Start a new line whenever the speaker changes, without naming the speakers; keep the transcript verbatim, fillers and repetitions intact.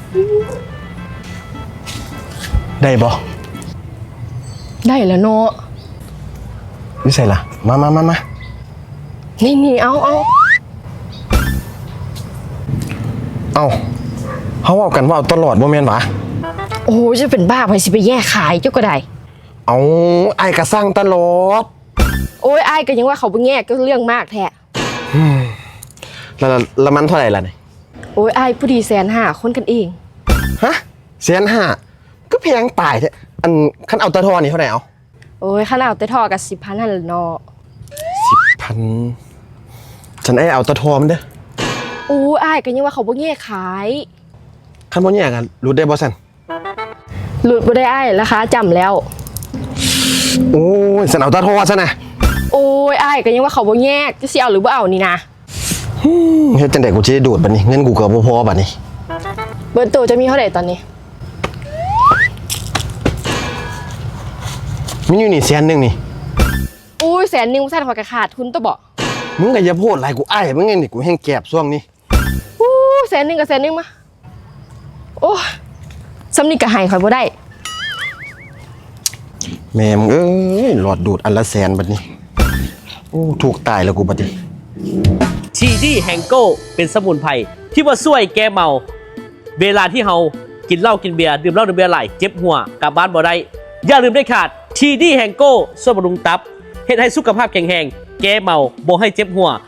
ได้บ่
ได้แล้วเนาะ
นี่ใส่ละมามามามา
นี่นี่เอาเอา
เอาเขาเอากันว่าเอาตลอดบ่แม่นหวะ
โอ้จะเป็นบ้าไปสิไปแย่ขายเจ้าก็ได้
เอาไอ้กระสร้างตลอด
โอ้ยไอ้ก็ยังว่าเขาไปแย่ก็เรื่องมากแท้
แล้วแล้วมันเท่าไหร่ล่ะเนี่ย
โอ้ยไอ้ผู้ดีแสนห้าคนกันเอง
ฮะแสนห้าก็แพงตายแท้อันขั้นเอาตะทอนี่เท่าไหร่เอา
โอ้ยข้าเอาแต่ทอกับสิบพันนั่นแหละเนาะ
สิบพันฉันไอ้เอาตะทอมันเด้อ
โอ้ยไอ้ก็ยังว่าเขาไปแย่ขาย
ขั้นบ่แย่กันรู้ได้บ่สัน
หลุดบ่ได้ไอ้ราคาจำแล้ว
โอ้ยฉันเอาตะทอซะนะ
โอ้ยไอ้ก็ยังว่าเขาบ่แยกจะเสียเอาหรือบ่เอานี่นะ
เฮ็ดจังได๋กูสิได้ดูดบัดนี้เงินกูก็บ่พอบัดนี้
เบิร์ตโตจะมีเท่าไหร่ตอนนี้
มีอยู่นี่แสนนึงนี่
อุ้ยแสนนึงแสนพอกระขาดทุนตัวบ่
มึงก็อย่าพูดหลายกูอ้ายมึงไงนี่กูแห้งแก็บช่วงนี้
อู้แสนนึงกับแสนนึงมาโอ้สำนีก็ให้ข่อยบ่ได้
แม่มึงเอ้ยหลอดดูดอันละแสนบัดนี้โอ้ถูกตายแล้วกูบัดนี้
ทีดีแฮงโก้เป็นสมุนไพรที่ว่าช่วยแก้เมาเวลาที่เฮากินเหล้ากินเบียร์ดื่มเหล้าดื่มเบียร์ไหลเจ็บหัวกลับบ้านบ่ได้อย่าลืมได้ขาดทีดีแฮงโก้ช่วยบำรุงตับเฮ็ดให้สุขภาพแข็งแรงแก้เมาบ่ให้เจ็บหัว